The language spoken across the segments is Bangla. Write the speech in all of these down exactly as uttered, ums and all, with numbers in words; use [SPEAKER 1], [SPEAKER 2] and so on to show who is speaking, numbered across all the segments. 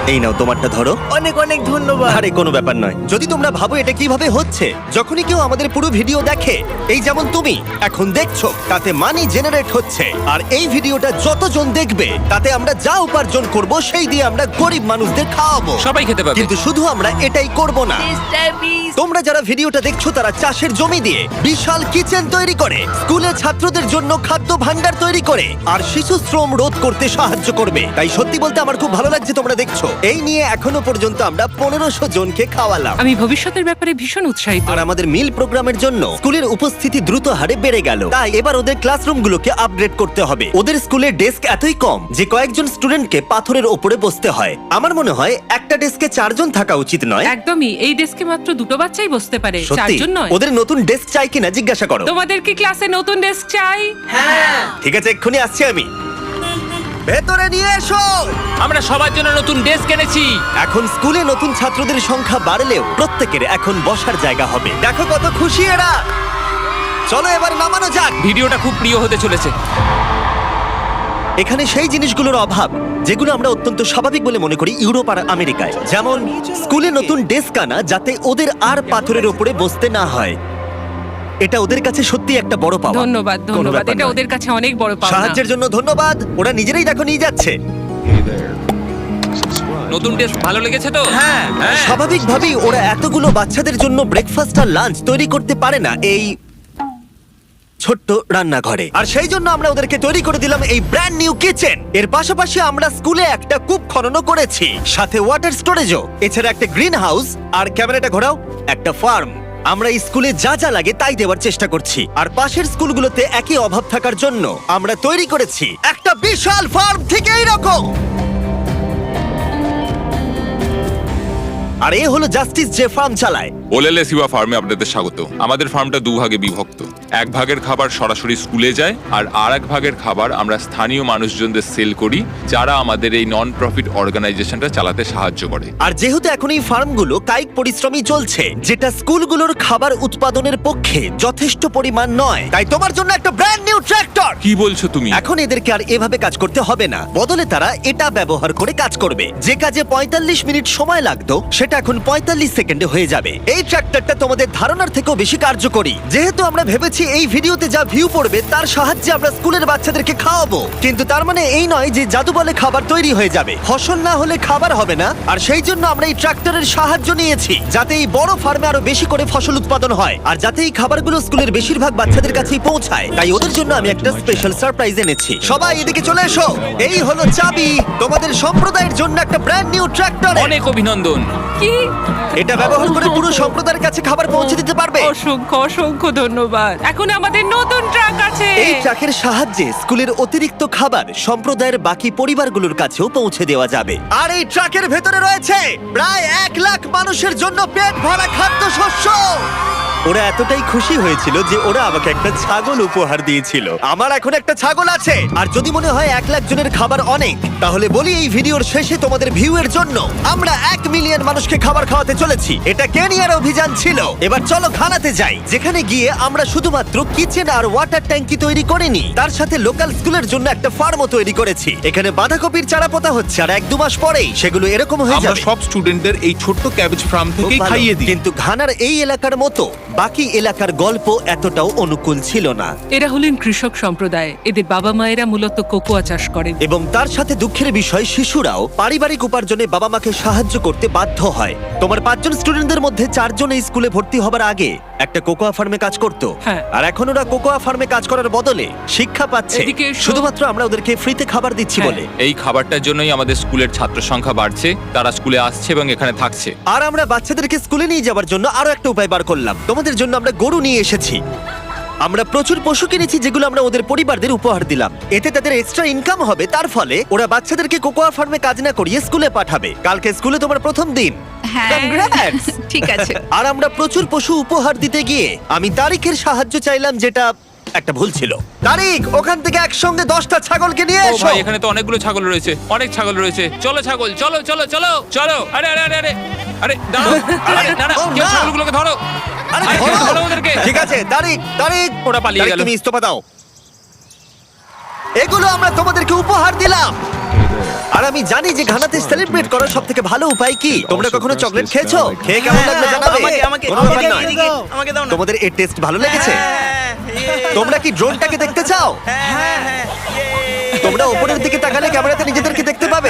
[SPEAKER 1] এই নাও তোমারটা ধরো।
[SPEAKER 2] অনেক অনেক ধন্যবাদ।
[SPEAKER 1] আরে কোনো ব্যাপার নয়। যদি তোমরা ভাবো এটা কিভাবে হচ্ছে, যখনই কেউ আমাদের পুরো ভিডিও দেখে, এই যেমন তুমি এখন দেখছো, তাতে মানি জেনারেট হচ্ছে। আর এই ভিডিওটা যতজন দেখবে তাতে আমরা যা উপার্জন করব সেই দিয়ে আমরা গরিব মানুষদের খাওয়াবো।
[SPEAKER 3] সবাই খেতে পাবে।
[SPEAKER 1] কিন্তু শুধু আমরা এটাই করব না।
[SPEAKER 2] মিস্টার বিস্ট,
[SPEAKER 1] তোমরা যারা ভিডিওটা দেখছো তারা চাষের জমি দিয়ে বিশাল কিচেন তৈরি করে, স্কুলে ছাত্রদের জন্য খাদ্য ভাণ্ডার তৈরি করে, আর শিশু শ্রম রোধ করতে সাহায্য করবে। তাই সত্যি বলতে আমার খুব ভালো লাগছে তোমরা দেখছো। এই নিয়ে এখনো পর্যন্ত আমরা পনেরোশো জনকে খাওয়ালাম।
[SPEAKER 4] আমি ভবিষ্যতের ব্যাপারে ভীষণ উৎসাহিত।
[SPEAKER 1] আর আমাদের মিল প্রোগ্রামের জন্য স্কুলের উপস্থিতি দ্রুত হারে বেড়ে গেল। তাই এবার ওদের ক্লাসরুমগুলোকে আপগ্রেড করতে হবে। ওদের স্কুলের ডেস্ক এতই কম যে কয়েকজন স্টুডেন্টকে পাথরের ওপরে বসতে হয়। আমার মনে হয় একটা ডেস্কে চারজন থাকা উচিত নয়।
[SPEAKER 4] একদমই, এই ডেস্কে মাত্র দুটো বাচ্চাই বসতে পারে,
[SPEAKER 1] সত্যি
[SPEAKER 4] চারজন নয়।
[SPEAKER 1] ওদের নতুন ডেস্ক চাই কিনা জিজ্ঞাসা করো।
[SPEAKER 4] তোমাদের কি ক্লাসে নতুন ডেস্ক চাই?
[SPEAKER 1] ঠিক আছে, এক্ষুনি আসছি আমি। ভেতরে নিয়ে এসো।
[SPEAKER 3] আমরা সবার জন্য নতুন ডেস্ক এনেছি।
[SPEAKER 1] এখন স্কুলে নতুন ছাত্রদের সংখ্যা বাড়লেও প্রত্যেকের এখন বসার জায়গা হবে। দেখো কত খুশি এরা। চলো এবার নামানো যাক।
[SPEAKER 3] ভিডিওটা খুব প্রিয় হতে চলেছে।
[SPEAKER 1] এখানে সেই জিনিসগুলোর অভাব যেগুলো আমরা অত্যন্ত স্বাভাবিক বলে মনে করি ইউরোপ আর আমেরিকায়, যেমন স্কুলে নতুন ডেস্ক আনা যাতে ওদের আর পাথরের উপরে বসতে না হয়। এটা ওদের কাছে সত্যি একটা বড় পাওয়া।
[SPEAKER 4] ধন্যবাদ,
[SPEAKER 1] কোনো
[SPEAKER 4] ধন্যবাদ।
[SPEAKER 1] ব্যাপার
[SPEAKER 4] এটা
[SPEAKER 1] নয়।
[SPEAKER 4] ওদের কাছে অনেক বড় পাওনা।
[SPEAKER 1] সাহায্যের জন্য ধন্যবাদ। ওরা নিজেরাই দেখো নিয়ে যাচ্ছে।
[SPEAKER 3] নতুন ডেস্ক ভালো লেগেছে তো?
[SPEAKER 1] হ্যাঁ, স্বাভাবিকভাবেই ওরা এতগুলো বাচ্চাদের জন্য ব্রেকফাস্ট আর লাঞ্চ তৈরি করতে পারে না এই ছোট্ট রান্নাঘরে। আর সেই জন্য আমরা ওদেরকে তৈরি করে দিলাম এই ব্র্যান্ড নিউ কিচেন। এর পাশাপাশি আমরা স্কুলে একটা কূপ খননও করেছি, সাথে ওয়াটার স্টোরেজও, এছাড়া একটা গ্রিন হাউস, আর ক্যামেরাটা ঘোরাও, একটা ফার্ম। আমরা এই স্কুলে যা যা লাগে তাই দেওয়ার চেষ্টা করছি। আর পাশের স্কুলগুলোতে একই অভাব থাকার জন্য আমরা তৈরি করেছি একটা বিশাল ফার্ম থেকে এইরকম। আর এ হলো জাস্টিস যে ফার্ম চালায়।
[SPEAKER 5] ওলেলে সিবা ফার্মে আপনাদের স্বাগত। আমাদের ফার্মটা দু ভাগে বিভক্ত। এক ভাগের খাবার সরাসরি স্কুলে যায়, আর আর এক ভাগের খাবার আমরা স্থানীয় মানুষজনদের সেল করি, যারা আমাদের এই নন প্রফিট অর্গানাইজেশনটা চালাতে সাহায্য করে।
[SPEAKER 1] আর যেহেতু এখন এই ফার্মগুলো কায়িক পরিশ্রমই চলছে, যেটা স্কুলগুলোর খাবার উৎপাদনের পক্ষে যথেষ্ট পরিমাণ নয়, তাই তোমার জন্য একটা ব্র্যান্ড নিউ ট্র্যাক্টর।
[SPEAKER 5] কি বলছো তুমি?
[SPEAKER 1] এখন এদেরকে আর এভাবে কাজ করতে হবে না, বদলে তারা এটা ব্যবহার করে কাজ করবে। যে কাজে পঁয়তাল্লিশ মিনিট সময় লাগতো সেটা এখন পঁয়তাল্লিশ সেকেন্ডে হয়ে যাবে। এই ট্র্যাক্টরটা তোমাদের ধারণার থেকেও বেশি কার্যকরী। যেহেতু আমরা ভেবেছি এই ভিডিওতে যা ভিউ পড়বে তার সাহায্যে আমরা স্কুলের বাচ্চাদেরকে খাওয়াবো, কিন্তু তার মানে এই নয় যে জাদু বলে খাবার তৈরি হয়ে যাবে। ফসল না হলে খাবার হবে না। আর সেই জন্য আমরা এই ট্র্যাক্টরের সাহায্য নিয়েছি, যাতে এই বড় ফার্মে আরো বেশি করে ফসল উৎপাদন হয়, আর যাতে এই খাবারগুলো স্কুলের বেশিরভাগ বাচ্চাদের কাছেই পৌঁছায়। তাই ওদের জন্য আমি একটা স্পেশাল সারপ্রাইজ এনেছি। সবাই এদিকে চলে এসো। এই হলো চাবি তোমাদের সম্প্রদায়ের জন্য একটা ব্র্যান্ড নিউ ট্র্যাক্টর।
[SPEAKER 3] অনেক অভিনন্দন।
[SPEAKER 4] কি?
[SPEAKER 1] এটা ব্যবহার করে পুরো সম্প্রদায়ের কাছে খাবার পৌঁছে দিতে পারবে।
[SPEAKER 4] অসংখ্য অসংখ্য ধন্যবাদ। এখন আমাদের নতুন ট্রাক আছে।
[SPEAKER 1] এই ট্রাকের সাহায্যে স্কুলের অতিরিক্ত খাবার সম্প্রদায়ের বাকি পরিবারগুলোর কাছেও পৌঁছে দেওয়া যাবে। আর এই ট্রাকের ভেতরে রয়েছে প্রায় এক লাখ মানুষের জন্য পেট ভরা খাদ্যশস্য। ওরা এতটাই খুশি হয়েছিল যে ওরা আমাকে একটা ছাগল উপহার দিয়েছিল। আমার এখন একটা ছাগল আছে। আর যদি মনে হয় এক লাখ জনের খাবার অনেক, তাহলে বলি এই ভিডিওর শেষে তোমাদের ভিউ এর জন্য আমরা এক মিলিয়ন মানুষকে খাবার খাওয়াতে চলেছি। এটা কেনিয়ার অভিযান ছিল। এবার চলো খানাতে যাই, যেখানে গিয়ে আমরা শুধুমাত্র কিচেন আর ওয়াটার ট্যাঙ্কি তৈরি করিনি, তার সাথে লোকাল স্কুলের জন্য একটা ফার্মও তৈরি করেছি। এখানে বাঁধাকপির চারা পোতা হচ্ছে, আর এক দু মাস পরেই সেগুলো এরকম হয়ে
[SPEAKER 6] আমরা
[SPEAKER 1] যাবে।
[SPEAKER 6] সব স্টুডেন্টদের এই ছোট্ট ক্যাবেজ ফার্ম
[SPEAKER 1] খুব
[SPEAKER 6] থেকেই
[SPEAKER 1] ভালো।
[SPEAKER 6] খাইয়ে দিই।
[SPEAKER 1] কিন্তু ঘানার এই এলাকার মতো বাকি এলাকার গল্প এতটাও অনুকূল ছিল না।
[SPEAKER 4] এরা হলেন কৃষক সম্প্রদায়। এদের বাবা মায়েরা মূলত কোকোয়া চাষ করেন।
[SPEAKER 1] এবং তার সাথে দুঃখের বিষয়, শিশুরাও পারিবারিক উপার্জনে বাবা মাকে সাহায্য করতে বাধ্য হয়। তোমার পাঁচজন স্টুডেন্টদের মধ্যে চারজন এই স্কুলে ভর্তি হবার আগে একটা কোকোয়া ফার্মে কাজ করতো।
[SPEAKER 4] হ্যাঁ।
[SPEAKER 1] আর এখন ওরা কোকোয়া ফার্মে কাজ করার বদলে শিক্ষা পাচ্ছে,
[SPEAKER 4] এদিকে এসো।
[SPEAKER 1] শুধুমাত্র আমরা ওদেরকে ফ্রিতে খাবার দিচ্ছি
[SPEAKER 4] হ্যাঁ।
[SPEAKER 1] বলে।
[SPEAKER 3] এই খাবারটার জন্যই আমাদের স্কুলের ছাত্র সংখ্যা বাড়ছে, তারা স্কুলে আসছে এবং এখানে থাকছে।
[SPEAKER 1] আর আমরা বাচ্চাদেরকে স্কুলে নিয়ে যাওয়ার জন্য আরো একটা উপায় বার করলাম। তোমাদের জন্য আমরা গরু নিয়ে এসেছি। আমরা প্রচুর পশু কিনেছি যেগুলো আমরা ওদের পরিবারদের উপহার দিলাম। এতে তাদের এক্সট্রা ইনকাম হবে। তার ফলে ওরা বাচ্চাদেরকে কোকোয়া ফার্মে কাজ না করিয়ে স্কুলে পাঠাবে। কালকে স্কুলে তোমার প্রথম দিন।
[SPEAKER 7] হ্যাঁ।
[SPEAKER 1] Congrats!
[SPEAKER 7] ঠিক আছে।
[SPEAKER 1] আর আমরা প্রচুর পশু উপহার দিতে গিয়ে আমি তারিখের সাহায্য চাইলাম, যেটা একটা ভুল ছিল। তারিখ, ওখান থেকে একসঙ্গে দশটা ছাগলকে নিয়ে
[SPEAKER 3] ও
[SPEAKER 1] এসো।
[SPEAKER 3] ভাই, এখানে তো অনেকগুলো ছাগল রয়েছে, অনেক ছাগল রয়েছে। চলো ছাগল, চলো চলো চলো চলো। আরে আরে আরে আরে আরে দাঁড়াও। আরে না না,
[SPEAKER 1] ও
[SPEAKER 3] কেউ
[SPEAKER 1] না।
[SPEAKER 3] ছাগলগুলোকে ধরো।
[SPEAKER 1] আরে
[SPEAKER 3] আরে,
[SPEAKER 1] ধরো।
[SPEAKER 3] ধরো ওদেরকে।
[SPEAKER 1] ঠিক আছে, তারিখ তারিখ
[SPEAKER 3] ওরা পালিয়ে
[SPEAKER 1] তারিখ,
[SPEAKER 3] গেল।
[SPEAKER 1] তুমি ইস্তফা দাও। এগুলো আমরা তোমাদেরকে উপহার দিলাম। আর আমি জানি যে ঘানাতে সেলিব্রেট করার সব থেকে ভালো উপায় কি। তোমরা কখনো চকলেট খেয়েছো? খেয়ে কেমন লাগলো জানাবে।
[SPEAKER 2] আমাকে আমাকে
[SPEAKER 1] কোনো
[SPEAKER 2] আমাকে
[SPEAKER 1] ব্যাপার নয়।
[SPEAKER 2] এদিকে, আমাকে দাও না।
[SPEAKER 1] তোমাদের এর টেস্ট ভালো লেগেছে?
[SPEAKER 2] হ্যাঁ, ইয়ে।
[SPEAKER 1] তোমরা কি ড্রোনটাকে দেখতে চাও?
[SPEAKER 2] হ্যাঁ, হ্যাঁ, হ্যাঁ, ইয়ে।
[SPEAKER 1] তোমরা উপরের দিকে তাকালে ক্যামেরাতে নিজেদেরকে দেখতে পাবে।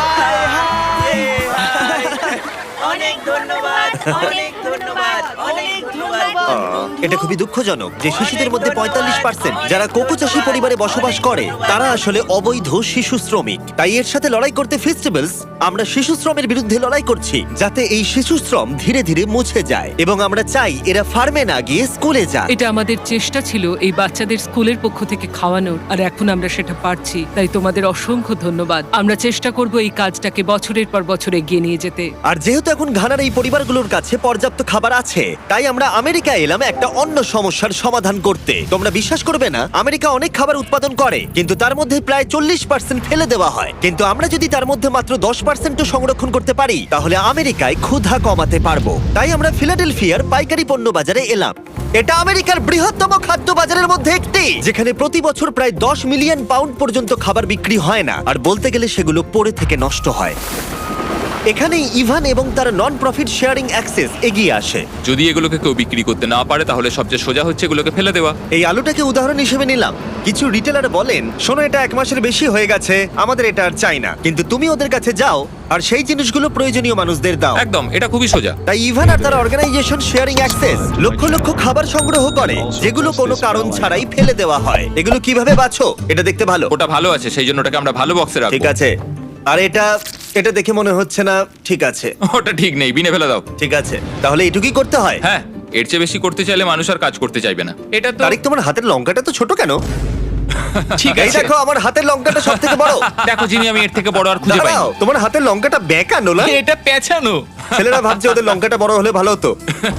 [SPEAKER 2] অনেক ধন্যবাদ, অনেক ধন্যবাদ, অনেক ধন্যবাদ।
[SPEAKER 1] এটা খুবই দুঃখজনক যে শিশুদের মধ্যে পঁয়তাল্লিশ পার্সেন্ট যারা কোকো চাষী পরিবারে বসবাস করে তারা আসলে অবৈধ শিশু শ্রমিক। তাই এর সাথে লড়াই করতে ফেস্টিভ্যালস আমরা শিশু শ্রমের বিরুদ্ধে লড়াই করছি, যাতে এই শিশু শ্রম ধীরে ধীরে মুছে যায় এবং আমরা চাই এরা ফার্মে না গিয়ে স্কুলে যায়।
[SPEAKER 4] এটা আমাদের চেষ্টা ছিল এই বাচ্চাদের স্কুলের পক্ষ থেকে খাওয়ানোর, আর এখন আমরা সেটা পারছি। তাই তোমাদের অসংখ্য ধন্যবাদ। আমরা চেষ্টা করব এই কাজটাকে বছরের পর বছর এগিয়ে নিয়ে যেতে।
[SPEAKER 1] আর যেহেতু এখন ঘানার এই পরিবারগুলোর কাছে পর্যাপ্ত খাবার আছে, তাই আমরা আমেরিকা এলাম একটা অন্য সমস্যার সমাধান করতে। তোমরা বিশ্বাস করবে না, আমেরিকা অনেক খাবার উৎপাদন করে কিন্তু তার মধ্যে প্রায় চল্লিশ পার্সেন্ট ফেলে দেওয়া হয়। কিন্তু আমরা যদি তার মধ্যে মাত্র দশ পার্সেন্টও সংরক্ষণ করতে পারি তাহলে আমেরিকায় ক্ষুধা কমাতে পারবো। তাই আমরা ফিলাডেলফিয়ার পাইকারি পণ্য বাজারে এলাম। এটা আমেরিকার বৃহত্তম খাদ্য বাজারের মধ্যে একটি, যেখানে প্রতি বছর প্রায় দশ মিলিয়ন পাউন্ড পর্যন্ত খাবার বিক্রি হয় না, আর বলতে গেলে সেগুলো পড়ে থেকে নষ্ট হয়। এখানেই ইভান এবং তার নন প্রফিট শেয়ারিং অ্যাক্সেস এগিয়ে আসে।
[SPEAKER 5] যদি এগুলোকে কেউ বিক্রি করতে না পারে তাহলে সবচেয়ে সোজা হচ্ছে এগুলোকে ফেলে দেওয়া।
[SPEAKER 1] এই আলুটাকে উদাহরণ হিসেবে নিলাম। কিছু রিটেলার বলেন, শোনো এটা এক মাসের বেশি হয়ে গেছে, আমাদের এটা আর চাই না। কিন্তু তুমি ওদের কাছে যাও আর সেই জিনিসগুলো প্রয়োজনীয় মানুষদের দাও।
[SPEAKER 5] একদম, এটা খুবই সোজা।
[SPEAKER 1] তাই ইভান আর তার অর্গানাইজেশন শেয়ারিং অ্যাক্সেস লক্ষ লক্ষ খাবার সংগ্রহ করে যেগুলো কোনো কারণ ছাড়াই ফেলে দেওয়া হয়। এগুলো কিভাবে বাছো? এটা দেখতে ভালো।
[SPEAKER 5] ওটা ভালো আছে, সেই জন্য ওটাকে আমরা ভালো বক্সে
[SPEAKER 1] ঠিক
[SPEAKER 5] রাখবো।
[SPEAKER 1] আছে। আর এটা এটা দেখে মনে হচ্ছে না ঠিক আছে।
[SPEAKER 5] ওটা ঠিক নেই, বিনে ফেলে দাও।
[SPEAKER 1] ঠিক আছে, তাহলে এটুকুই করতে হয়।
[SPEAKER 5] হ্যাঁ, এর চেয়ে বেশি করতে চাইলে মানুষ আর কাজ করতে চাইবে না। এটা তো
[SPEAKER 1] তারিক, তোমার হাতের লঙ্কাটা তো ছোট কেন?
[SPEAKER 5] ঠিক
[SPEAKER 1] এই
[SPEAKER 5] আছে।
[SPEAKER 1] দেখো, আমার হাতের লঙ্কাটা সব থেকে বড়।
[SPEAKER 5] দেখো জিনি, আমি এর থেকে বড় আর খুঁজে পাই
[SPEAKER 1] দাঁড়াও, তোমার হাতের লঙ্কাটা বেঁকা না?
[SPEAKER 3] এটা পেছানো।
[SPEAKER 1] ছেলেরা ভাবছে ওদের লঙ্কাটা বড় হলে ভালো হতো।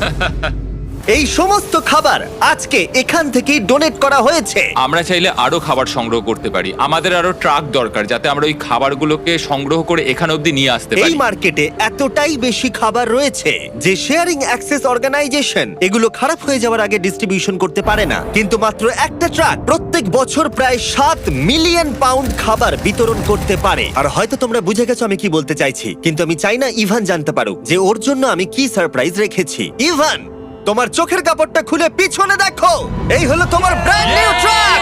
[SPEAKER 1] এই সমস্ত খাবার আজকে এখান থেকেই ডোনেট করা হয়েছে।
[SPEAKER 5] আমরা চাইলে আরো খাবার সংগ্রহ করতে পারি। আমাদের আরো ট্রাক দরকার যাতে আমরা ওই খাবারগুলোকে সংগ্রহ করে এখানে অবধি নিয়ে আসতে
[SPEAKER 1] এই
[SPEAKER 5] পারি।
[SPEAKER 1] মার্কেটে এতটাই বেশি খাবার রয়েছে যে শেয়ারিং অ্যাক্সেস অর্গানাইজেশন এগুলো খারাপ হয়ে যাওয়ার আগে ডিস্ট্রিবিউশন করতে পারে না। কিন্তু মাত্র একটা ট্রাক প্রত্যেক বছর প্রায় সাত মিলিয়ন পাউন্ড খাবার বিতরণ করতে পারে। আর হয়তো তোমরা বুঝে গেছো আমি কি বলতে চাইছি, কিন্তু আমি চাই না ইভান জানতে পারুক যে ওর জন্য আমি কি সারপ্রাইজ রেখেছি। ইভান, তোমার চোখের কাপড়টা খুলে পিছনে দেখো, এই হলো তোমার ব্র্যান্ড নিউ ট্রাক।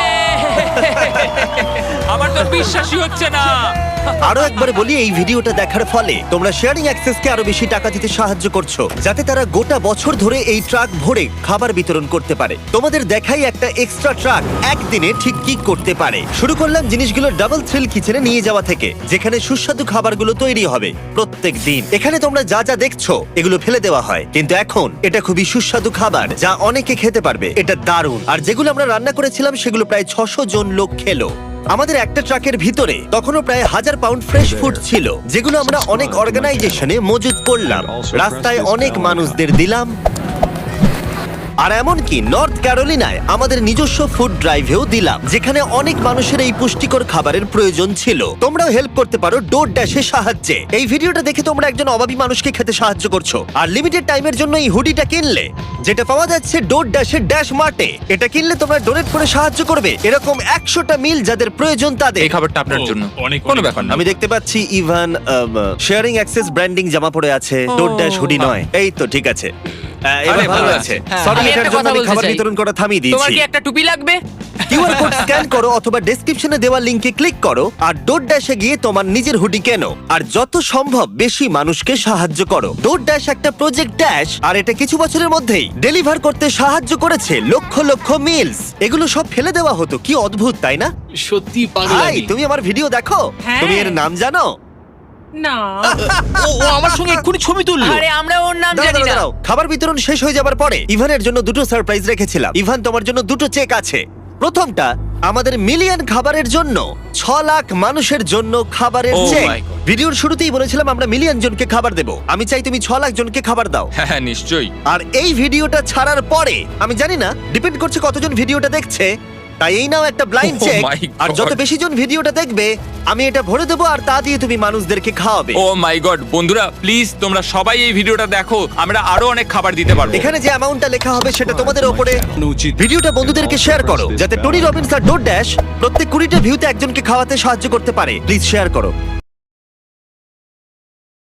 [SPEAKER 5] আমার তো বিশ্বাসই হচ্ছে না।
[SPEAKER 1] আরো একবার বলি, এই ভিডিওটা দেখার ফলে তোমরা শেয়ারিং অ্যাক্সেসকে আরো বেশি টাকা দিতে সাহায্য করছো, যাতে তারা গোটা বছর ধরে এই ট্রাক ভরে খাবার বিতরণ করতে পারে। তোমাদের দেখাই একটা এক্সট্রা ট্রাক একদিনে ঠিক কি করতে পারে। শুরু করলাম জিনিসগুলো ডাবল থ্রিল কিচেনে নিয়ে যাওয়া থেকে, যেখানে সুস্বাদু খাবারগুলো তৈরি হবে প্রত্যেক দিন। এখানে তোমরা যা যা দেখছো এগুলো ফেলে দেওয়া হয়, কিন্তু এখন এটা খুবই সুস্বাদু খাবার যা অনেকে খেতে পারবে। এটা দারুণ। আর যেগুলো আমরা রান্না করেছিলাম সেগুলো প্রায় ছশো জন লোক খেলো। আমাদের একটা ট্রাকের ভিতরে তখনও প্রায় হাজার পাউন্ড ফ্রেশ ফুড ছিল, যেগুলো আমরা অনেক অর্গানাইজেশনে মজুত করলাম, রাস্তায় অনেক মানুষদের দিলাম। আর এমনকি নর্থ ক্যারোলিনায় আমাদের নিজস্ব ফুড ড্রাইভেও দিলাম, যেখানে অনেক মানুষের এই পুষ্টিকর খাবারের প্রয়োজন ছিল। তোমরাও হেল্প করতে পারো ডোর ড্যাশের সাহায্যে। এই ভিডিওটা দেখে তোমরা একজন অভাবী মানুষকে খেতে সাহায্য করছো। আর লিমিটেড টাইমের জন্য এই হুডিটা কিনলে, যেটা পাওয়া যাচ্ছে ডোর ড্যাশের ড্যাশ মার্টে, এটা কিনলে তোমরা ডোনেট করে সাহায্য করবে এরকম একশোটা মিল যাদের প্রয়োজন তাদের।
[SPEAKER 5] এই খাবারটা আপনার জন্য।
[SPEAKER 3] অনেক
[SPEAKER 5] কোনো ব্যাপার না।
[SPEAKER 1] আমি দেখতে পাচ্ছি ইভান শেয়ারিং অ্যাক্সেস ব্র্যান্ডিং জামা পরে আছে, ডোর ড্যাশ হুডি নয়। এই তো ঠিক আছে। আহ, এবার
[SPEAKER 5] আরে,
[SPEAKER 1] ভালো
[SPEAKER 5] ভালো
[SPEAKER 1] আছে।
[SPEAKER 5] আছে।
[SPEAKER 1] Sorry,
[SPEAKER 2] আমি
[SPEAKER 1] এটার
[SPEAKER 2] একটা
[SPEAKER 1] জন্য
[SPEAKER 2] কথা
[SPEAKER 1] আমি
[SPEAKER 2] বলতে
[SPEAKER 1] খাবার
[SPEAKER 2] চাই।
[SPEAKER 1] বিতরণ করা থামিয়ে
[SPEAKER 2] তোমার
[SPEAKER 1] দিয়েছি।
[SPEAKER 2] কি একটা টুপি লাগবে?
[SPEAKER 1] কিউআর কোড স্ক্যান করো অথবা ডেসক্রিপশনে দেওয়া লিংকে ক্লিক করো আর ডোর ড্যাশে গিয়ে তোমার নিজের হুডি কেনো আর যত সম্ভব বেশি মানুষকে সাহায্য করো। ডোর ড্যাশ একটা প্রজেক্ট ড্যাশ, আর এটা কিছু বছরের মধ্যেই ডেলিভার করতে সাহায্য করেছে লক্ষ লক্ষ মিলস। এগুলো সব ফেলে দেওয়া হতো, কি অদ্ভুত তাই না?
[SPEAKER 3] সত্যি
[SPEAKER 1] ভাই, তুমি আমার ভিডিও দেখো?
[SPEAKER 4] হ্যাঁ।
[SPEAKER 1] তুমি এর নাম জানো?
[SPEAKER 4] না,
[SPEAKER 3] ও ও আমার সঙ্গে এক্ষুনি ছবি তুললো।
[SPEAKER 2] আরে আমরা ওর নাম
[SPEAKER 1] দাঁড়াও,
[SPEAKER 2] জানি না।
[SPEAKER 1] দাঁড়াও, খাবার বিতরণ শেষ হয়ে যাবার পরে ইভানের জন্য দুটো সারপ্রাইজ রেখেছিলাম। ইভান, তোমার জন্য দুটো চেক আছে। প্রথমটা আমাদের মিলিয়ন খাবারের জন্য, ছ লাখ মানুষের জন্য খাবারের
[SPEAKER 5] Oh
[SPEAKER 1] চেক।
[SPEAKER 5] my God.
[SPEAKER 1] ভিডিওর শুরুতেই বলেছিলাম আমরা মিলিয়ন জনকে খাবার দেব। আমি চাই তুমি ছ লাখ জনকে খাবার দাও।
[SPEAKER 5] হ্যাঁ হ্যাঁ, নিশ্চয়ই।
[SPEAKER 1] আর এই ভিডিওটা ছাড়ার পরে, আমি জানি না, ডিপেন্ড করছে কতজন ভিডিওটা দেখছে, তাই এই নাও একটা blind
[SPEAKER 5] Oh
[SPEAKER 1] check.
[SPEAKER 5] my God.
[SPEAKER 1] আর যত বেশি জন ভিডিওটা দেখবে আমি এটা ভরে দেবো, আর তা দিয়ে তুমি মানুষদেরকে খাওয়াবে।
[SPEAKER 5] ও মাই গড, বন্ধুরা প্লিজ তোমরা সবাই এই ভিডিওটা দেখো, আমরা আরো অনেক খাবার দিতে পারবো।
[SPEAKER 1] এখানে যে অ্যামাউন্টটা লেখা হবে সেটা তোমাদের ওপরে।
[SPEAKER 3] উচিত।
[SPEAKER 1] ভিডিওটা বন্ধুদেরকে শেয়ার করো যাতে টনি রবিনস আর ডোর ড্যাশ প্রত্যেক কুড়িটা ভিউতে একজনকে খাওয়াতে সাহায্য করতে পারে। প্লিজ শেয়ার করো।